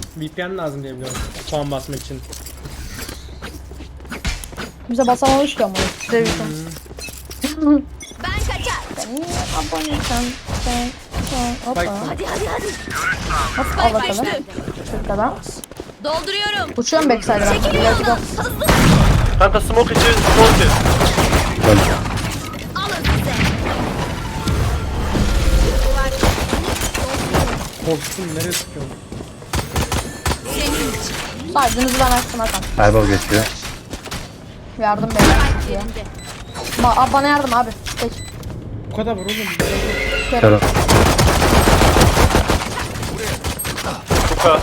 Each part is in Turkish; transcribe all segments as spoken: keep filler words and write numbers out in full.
V P N lazım diye biliyorum. Puan basmak için. Bize basamamış ki ama. Size bir şey. Ben kaçar. Sen niye aboneysen? Sen, sen, hoppa. Bak. Hadi hadi hadi. Hop, al bakalım. Şurada. Dolduruyorum. Uçuyorum backside'a. Çekilin Let's yoldan. go. Hızlı. Kanka smoke içi smoke içi. Alın size. Korktum nereye sıkıyorum? Senin için. Saydığınızı ben açtım Hakan. Kaybol geçiyor. Yardım beyler. Yerinde. Ba abi bana yardım abi. Geç. Bu kadar var oğlum. Şöyle. Kuka.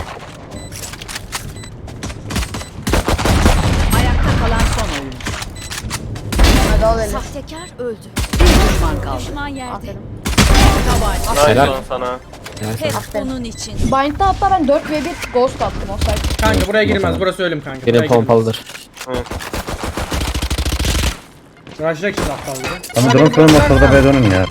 Ayakta kalan son oyun. Hadi al eli. Sahtekar öldü. Bir düşman kaldı. Düşman yerde. Aferin. Nice Helal. lan sana. Hep Aferin. bunun için. Bind'da hatta ben dört ve bir ghost attım o sayede. Kanka buraya girmez. Burası ölüm kanka. Buraya Benim girmez. pompalıdır. Rajrak için aptaldı. Ama drone koyun motorda B dönün ya.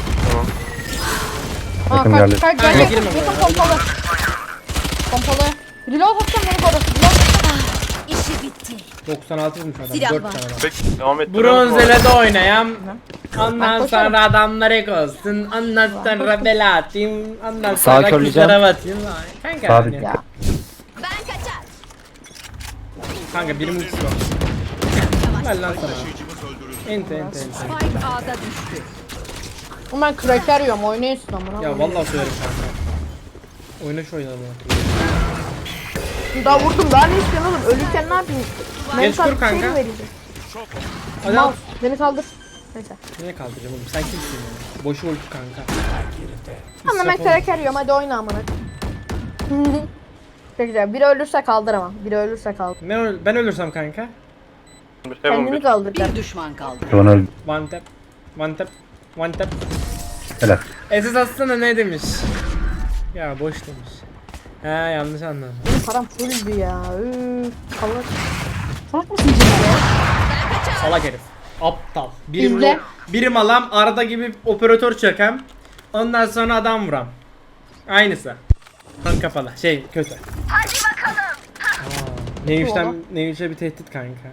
Aa Yakın kaç geldi. kaç Kanka, gel yakın girme yakın buraya. pompalı. Pompalı. Reload atacağım beni koru. Reload. İşi bitti. doksan altı vurmuş adam. Silah dört var. tane adam. Bek devam et. Bronzele'de oynayan. Ondan Ben koşarım. sonra adamları kozsun. Ondan sonra bela atayım. Ondan Sağa sonra körleyeceğim. kızlara batayım. Kanka Sağ hani. dik. Ya. Ben kaçar. Kanka birim ultisi var. Ver lan sana. Ente ente ente. Spike A'da düştü. Oğlum ben cracker yiyorum oynayın amına. Ya vallahi söylerim kanka. Oyna şu oyunu. Daha vurdum daha ne istiyorsun oğlum? Ölürken ne yapayım? Geç kur Mental şey kanka. mi vereceğim? Hadi Mal. al. Beni kaldır. Neyse. Niye kaldıracağım oğlum? Sen kimsin ya? Boşu ulti kanka. Ama ben İsraf cracker yiyorum hadi oyna amına. Çok güzel. Biri ölürse kaldır ama. Biri ölürse kaldır. Ne öl- ben ölürsem kanka. Heaven Kendini bir. kaldır. Bir düşman kaldı. Drone öldü. One tap. One tap. One tap. Helal. Esas aslında ne demiş? Ya boş demiş. He yanlış anladım. Benim param fulldü ya. Üf. Kalır. Salak mısın Cemil ya? Salak herif. Aptal. Birim, İzle. ro- birim alam arada gibi operatör çökem. Ondan sonra adam vuram. Aynısı. Kan kafalı. Şey kötü. Hadi bakalım. Aa, Neymiş'ten Neymiş'e bir tehdit kanka.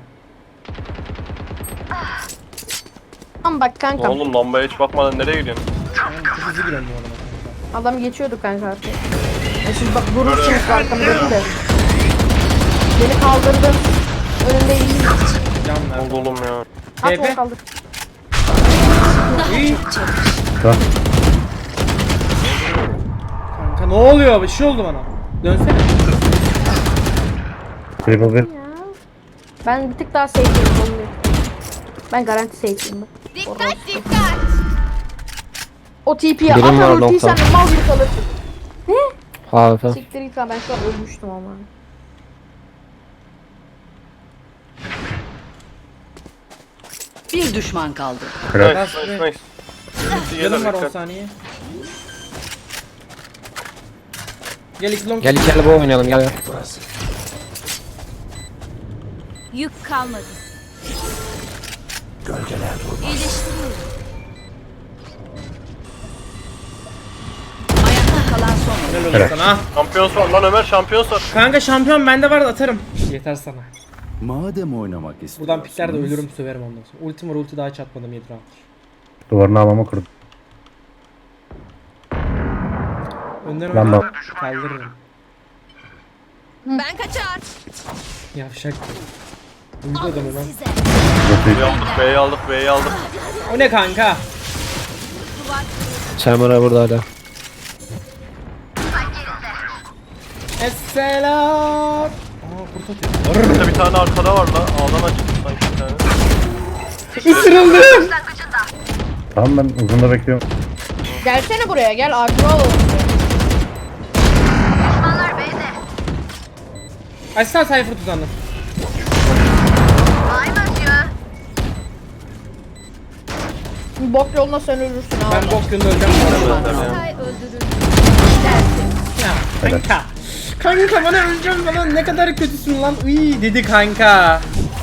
Tamam bak kanka. Oğlum lambaya hiç bakmadan nereye gidiyorsun? Ben çok hızlı gidiyorum bu arada kanka. Adam geçiyordu kanka artık. E siz bak vurursunuz arkamdaki de. Beni kaldırdın. Önünde iyi. Can ver. Oldu oğlum ya. At Tepe. onu kaldır. İyi. Tamam. Kanka ne oluyor? Bir şey oldu bana. Dönsene. Triple bir. Ben bir tık daha safe'liyim. Ben garanti safe'liyim ben. Dikkat dikkat. O T P'ye Birim var atar ultiyi sen nokta. de mal gibi kalırsın. Harika. Siktir git lan ben şu an ölmüştüm ama. Bir düşman kaldı. Helal. Nice nice nice. Ulti Canım gelir var on dikkat. saniye. Gel iki long. Gel iki el bu oynayalım gel gel. Yük kalmadı. Gölgeler durmaz. İyileştiriyorum. Ayakta kalan son oyun. Helal olsun sana. Şampiyon sor lan Ömer şampiyon sor. Kanka şampiyon bende var atarım. Yeter sana. Madem oynamak istiyorsunuz. Buradan pikler de ölürüm söverim ondan sonra. Ultim var ulti daha çatmadım yedi round. Duvarını havama kırdım. Önden Ben oyna. de- Kaldırırım. Ben kaçar. Yavşak. Uyudu adamı Alın lan. size. B'yi aldık B'yi aldık B'yi aldık. O ne kanka? Chamber'a burada hala. Esselam. Aa kurt atıyor. Burada bir tane arkada var la. Ağdan açtı sanki bir tane. Isırıldım. Tamam ben uzunda bekliyorum. Gelsene buraya gel aklıma alalım. Açsana sayfa tuzandım. Bok yoluna sen ölürsün abi. Ben bok günde öleceğim. Tay öldürür. Ya kanka. Kanka bana öleceğim falan ne kadar kötüsün lan. Uy dedi kanka.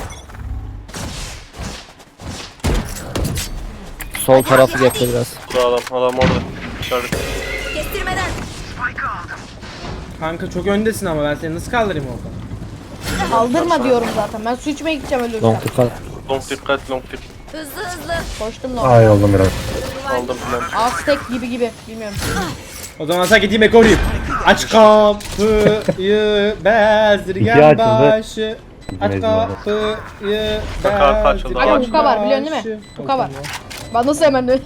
Sol tarafı yaptı biraz. Burada adam adam orada. İçeride. Kestirmeden. Kanka çok öndesin ama ben seni nasıl kaldırayım orada? Kaldırma diyorum zaten. Ben su içmeye gideceğim ölürsem. Long dikkat. Long dikkat long dikkat. Hızlı hızlı. Koştum da. Ay oldum biraz. Aldım filan. Aztek gibi gibi. Bilmiyorum. O zaman sen gideyim ekoruyum. Aç kapıyı bezirgen İki açıldı. başı. Aç Mecbur. kapıyı Kapı açıldı, bezirgen Aga huka var biliyorsun değil mi? başı. Huka var. Ben nasıl hemen öyle?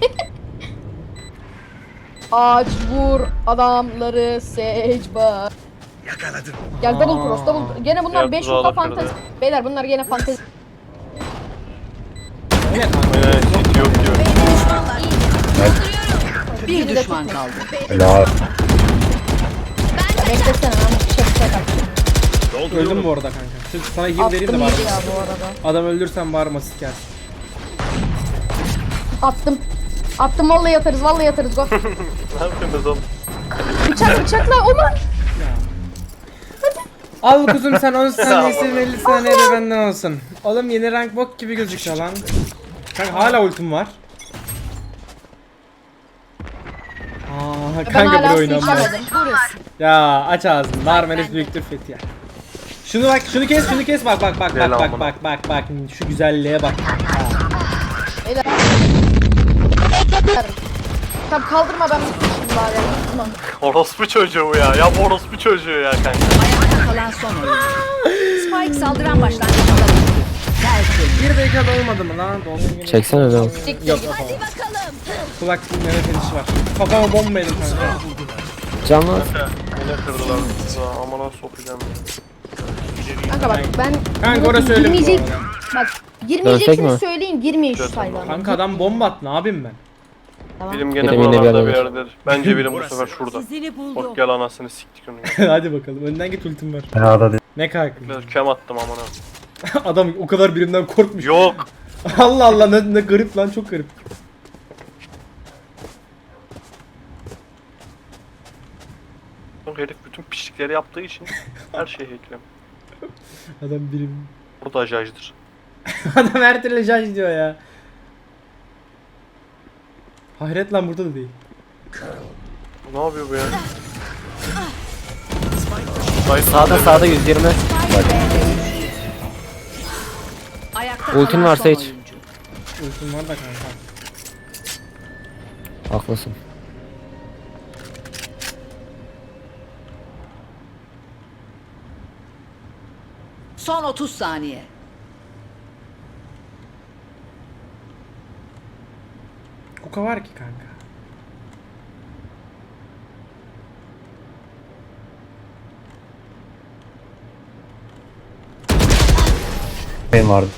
Aç vur adamları secba. Yakaladım. Gel double cross double. Gene bunlar Diğer beş tuzağı huka da kırdı. fantezi. Beyler bunlar gene fantezi. Ne kanka? Aynen hiç yok diyor. Bir düşman kaldı. Helal. Beklesene ben bir şey bir şey kaçtım. Öldüm bu arada kanka. Sırf sana heal vereyim de Attım bari. yedi ya bu arada. Adam öldürsen bari masit gelsin. Attım. Attım vallahi yatarız vallahi yatarız go. Ne yapıyorsunuz oğlum? Bıçak bıçakla Omar. Al kuzum sen on saniyesin elli saniye de benden olsun. Oğlum yeni rank bok gibi gözüküyor lan. Kanka hala ultim var. Aa, Ben kanka hala bir su oynanmaz. içemedim. Ya aç ağzını. Narmeles büyüktür fethi ya. Şunu bak, şunu kes, şunu kes. Bak bak bak bak bak Selamına. bak bak bak. Şu güzelliğe bak. Tamam kaldırma ben bitmişim bari. Tamam. Orospu çocuğu ya. Ya bu orospu çocuğu ya kanka. Ayakta kalan son oyuncu. Spike saldıran başlangıçta düştü. Tertemiz. Bir dakikada olmadı mı lan? Dolsun yine. Çeksene öyle. Yok yapamam. Kulak dinleme fenişi var. Kafama bomba yedim kanka. Canlı. Yine kırdılar tuzağı. Amına sokacağım ya. Kanka bak ben Kanka orası öyle mi bu girmeyecek. arada? Bak Dönsek girmeyeceksiniz mi? söyleyin girmeyin şu Dönsek sayıdan. Kanka adam bomba attı. Ne yapayım ben? Bilim gene Bilim yine bir buralarda bir yerdedir. yerdedir. Bence bilim bu sefer şurada. Sizini buldum. Bak gel anasını siktik onu. Hadi bakalım. Önden git ultim var. Fena değil. Ne kanka? Biraz kem attım amına. Adam o kadar birimden korkmuş. Yok. Allah Allah ne, ne garip lan çok garip. Herif bütün pislikleri yaptığı için her şeyi hackliyor. Adam birim. Bu da ajajdır. Adam her türlü judge diyor ya. Hayret lan burada da değil. Ne yapıyor bu ya? Sağda sağda yüz yirmi. Ayakta Ultin kalan var son Sage. oyuncu. Ultim var da kanka. Haklısın. Son otuz saniye. Kuka var ki kanka. Benim vardı.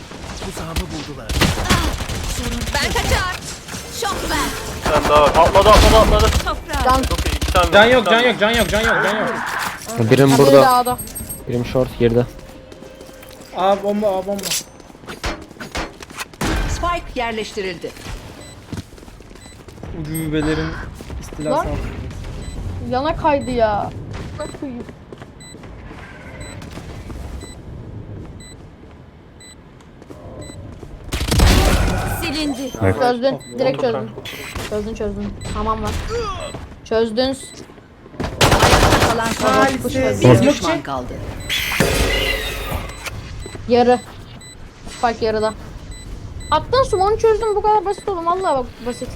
Ben kaçar. Şok ver. Bir tane daha var. Atladı atladı atladı. Toprağa. Can Çok iyi. İki tane. Can iki yok tane. can yok can yok can yok can yok. Birim burada. burada. Dağda. Birim short girdi. Aa bomba aa bomba. Spike yerleştirildi. Ucubelerin istilası Lan. altında. Yana kaydı ya. Nasıl koyayım? Silindi. Çözdün. Direkt Oldu çözdün. Çözdün çözdün. Tamam lan. Çözdün. Ayakta kalan son oyuncu. Maalesef. Bir Smoke düşman çek. kaldı. Yarı. Spike yarıda. Attın sumonu çözdüm bu kadar basit oğlum vallahi bak basit.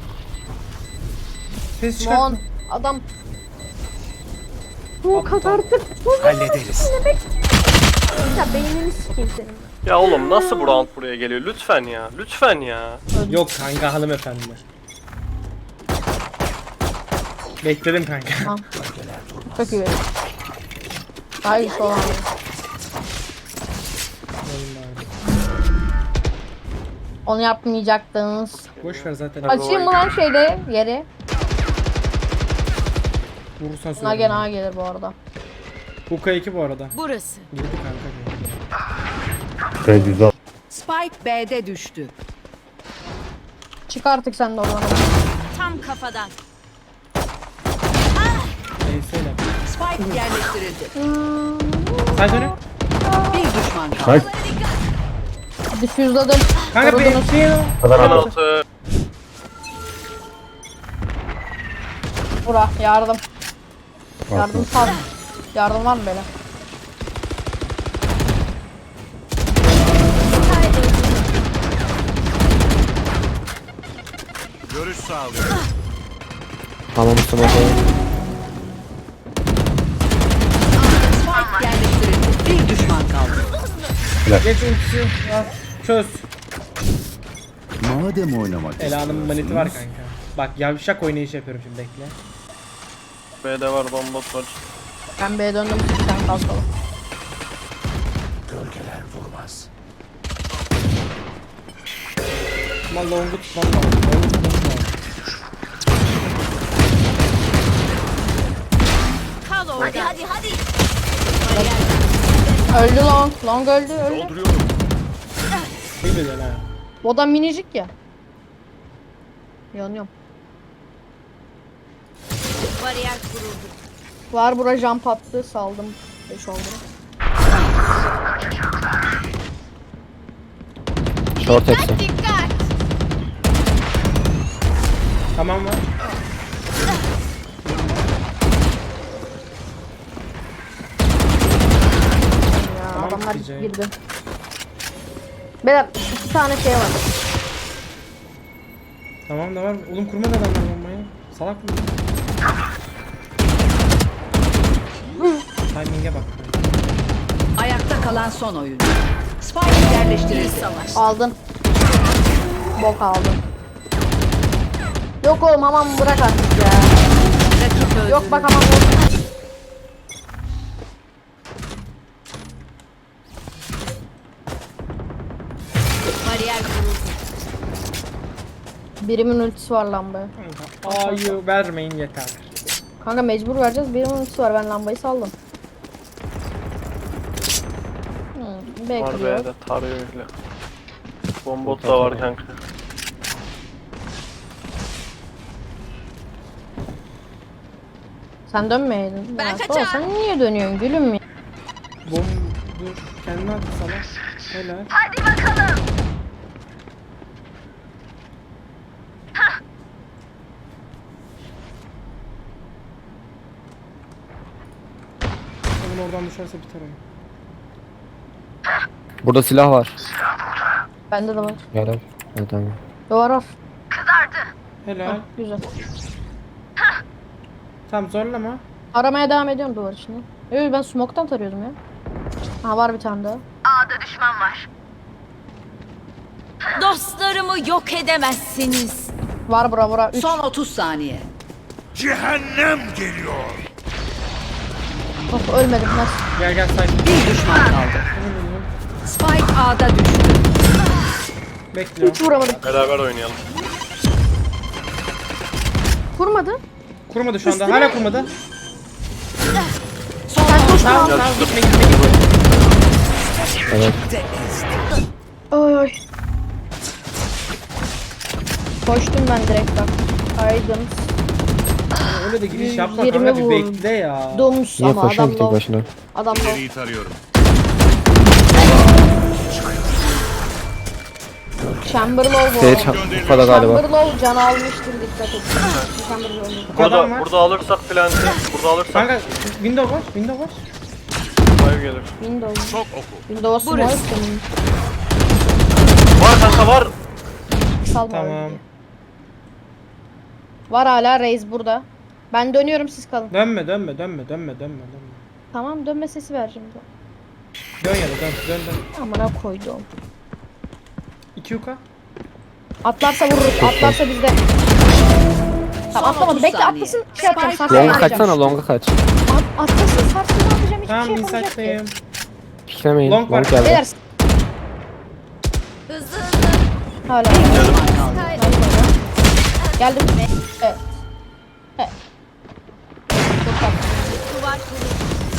Ses çıkart. Mon adam. Bu kadar da hallederiz. Ya beynini sikeyim senin. Ya oğlum nasıl bu round buraya geliyor? Lütfen ya. Lütfen ya. Yok kanka hanımefendi. Bekledim kanka. Tamam. Çok iyi. Hayır soğan. Onu yapmayacaktınız. Boş ver zaten. Açayım mı lan şeyde yeri? Vurursan Buna gene söyle. A gelir bu arada. Kuka iki bu arada. Burası. Girdi kanka. Şöyle güzel. Spike B'de düştü. Çık artık sen de oradan. Tam kafadan. Neyse öyle. Spike yerleştirildi. Sen söyle. Bir düşman kaldı. Hayır. Difüzladım. Kanka bir Korudunuz. şey Kadar adam. Altı. Bura yardım. Yardım sal. Yardım var mı böyle? Görüş sağlıyor. Tamam smoke. Spike yerleştirildi. Bir düşman kaldı. Geç ultisi. Al. Çöz. Madem oynamak Ela'nın maneti var kanka. Bak yavşak oynayış yapıyorum şimdi bekle. B'de var, bombot var. Ben B'ye döndüm. Bir tane kalkalım. Ama long'u tutmam lazım. Long'u tutmam lazım. Kal orada. Hadi hadi hadi. Öldü long. Long öldü öldü. Bir güzel ha. O da minicik ya. Yanıyorum. Bariyer kuruldu. Var bura jump attı saldım. beş oldu. Short hepsi. Dikkat. Tamam mı? Ya Tamam, adamlar diyeceğim. girdi. Beyler iki tane şey var. Tamam da var. Oğlum kurmadı adamlar bombayı. Salak mı? Timing'e bak. Ayakta kalan son oyuncu. Spike yerleştirildi. Aldın. Bok aldın. Yok oğlum aman bırak artık ya. Rakip öldü. Yok bak aman bırak. Bariyer kuruldu. Birimin ultisi var lambaya. A'yı vermeyin yeter. Kanka mecbur vereceğiz. Birimin ultisi var. Ben lambayı saldım. Hmm, Var bekliyor. B'de, tarıyor öyle. Bombot da var kanka. Sen dönmeyeydin. Ben Ya, kaçar. Sola, sen niye dönüyorsun gülüm ya? Bom dur. Kendini attı salak. Helal. Oğlum oradan düşerse biter oyun. Burada silah var. Bende de var. Gel al. Evet, tamam. Var var. Helal. Güzel. Tamam zorlama. Aramaya devam ediyorum duvar içinde. Yok ben smoke'tan tarıyordum ya. Ha var bir tane daha. Dostlarımı yok edemezsiniz. Var bura bura. üç. Son otuz saniye. Of ölmedim nasıl? Gel gel say. Bir düşman kaldı. Spike A'da düştü. Bekliyorum. Hiç vuramadım. Beraber oynayalım. Vurmadı. Kurmadı şu anda. Üstüne- Hala kurmadı. Son Sen koş Tamam tamam. tamam gitme gitme gitme. Evet. Oy oy. Koştum ben direkt bak. Aydın. Öyle de giriş yapma yirmi kanka bir vur. bekle ya. Domus Niye ama koşuyorsun adam ki tek low. başına? Adam low. İleriyi tarıyorum. Chamber low bu. Sage arada. kafada galiba. Chamber low can almıştır dikkat et. Chamber low. Bu adam Burada, var. burada alırsak plant'i, burada alırsak Kanka window var. Window var. five gelir. Windows. Çok oku. Windows'u var Burası. senin. Var kanka var. Salma Tamam. öyle. Var hala Reis burada. Ben dönüyorum siz kalın. Dönme dönme dönme dönme dönme dönme. Tamam dönme sesi ver şimdi. Dön ya da dön dön dön. Amına koydum. iki yuka. Atlarsa vururuz. Atlarsa bizde. Tamam Son atlamadı. otuz Bekle saniye. atlasın. Şey yapacağım. Spike Sarsın Longa yapacağım. kaçsana, longa kaç. At, atlasın sarsın ne yapacağım. Hiçbir Tamam şey yapamayacak ki. insight'tayım. Piklemeyin. Long var. Long geldi. Beyler Hızlı hızlı. hala. Sky. Geldim. Evet. Evet. Çok tatlı. Duvar kuruldu.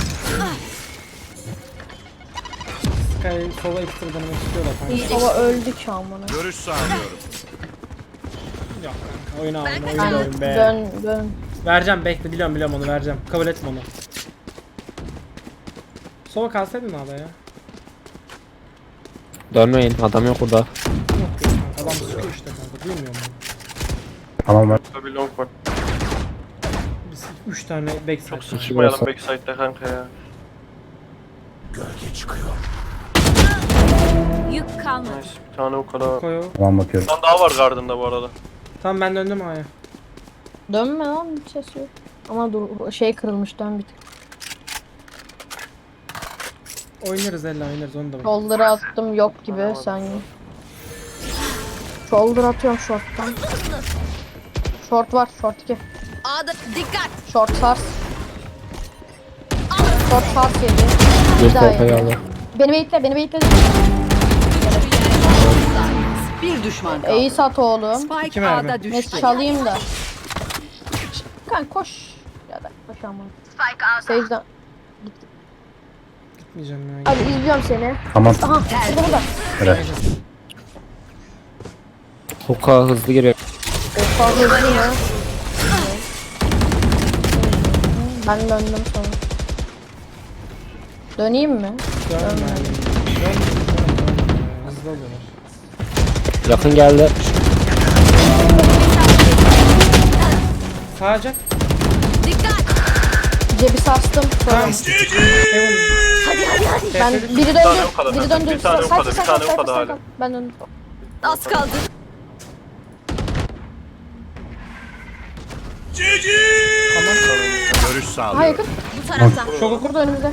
Sky sola ekstra denemek istiyorlar kanka. Baba öldü ki amına. Görüş sağlıyorum. Yok kanka oyunu alın oyun Ben oyun be. dön dön. Vereceğim bekle biliyorum biliyorum onu vereceğim. Kabul etme onu. Sola kalsaydın abi ya. Dönmeyin. Adam yok burada. Yok ya kanka adam sıkıyor işte kanka duymuyor mu? Tamam var. Tabii long var. Bir üç tane backside. Çok var. sıçmayalım olsa. backside'de kanka ya. Yük kalmadı. Nice. Bir tane o kadar. Koy o. Tamam bakıyorum. Bir tane daha var Garden'da bu arada. Tamam ben döndüm A'ya. Dönme lan bir ses yok. Ama dur şey kırılmış dön bir tık. Oynarız Ella oynarız onu da bak. Shoulder'a attım yok gibi sen. Shoulder atıyorum short'tan. Short var short iki. A'da dikkat. Short sars. Short sars yedi. Bir Bir daha tepeye yedi. aldı. Beni bekle beni bekle. Bir düşman kaldı. İyi sat oğlum. Spike İki mermi. A'da Ne düştü. çalayım da. Kan koş. Ya da koş ama. Sage'den. Gitmeyeceğim ya. Hadi izliyorum seni. Tamam. Aha burada burada. Helal. Hook'a hızlı giriyor. Fazla hızlı mı? Ben döndüm sonra. Döneyim mi? Dönme. Dön. Dön. Hızlı oluyorlar. Yakın geldi. Sağacak. Dikkat. Cebi sarstım. Sonra. Tamam. Heaven. Hadi hadi hadi. Ben biri tane döndü. o kadar. Biri döndü. Bir tane o Sayfa, kadar, bir sayfa, tane o sayfa, kadar sayfa. hala. Ben döndüm. Az kaldı. Görüş Ha sağlıyorum. yakın. Bu taraftan. Çok oku. Burada önümüzde.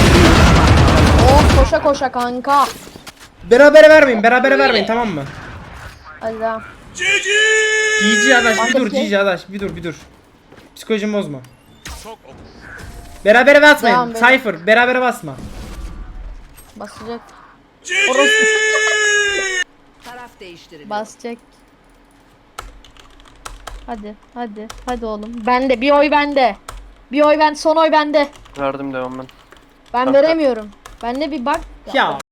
Oh koşa koşa kanka. Berabere vermeyin. Berabere vermeyin tamam mı? Hadi devam. G G adaş bir dur Arkadaki- G G adaş bir dur bir dur. Psikolojimi bozma. Berabere basmayın. Devam, beyler. Cypher berabere basma. Basacak. Orası Taraf değiştirildi. basacak. Hadi hadi hadi oğlum. Bende bir oy bende. Bir oy ben son oy bende. Verdim devam ben. Ben Kanka. veremiyorum. Bende bir bak. Ya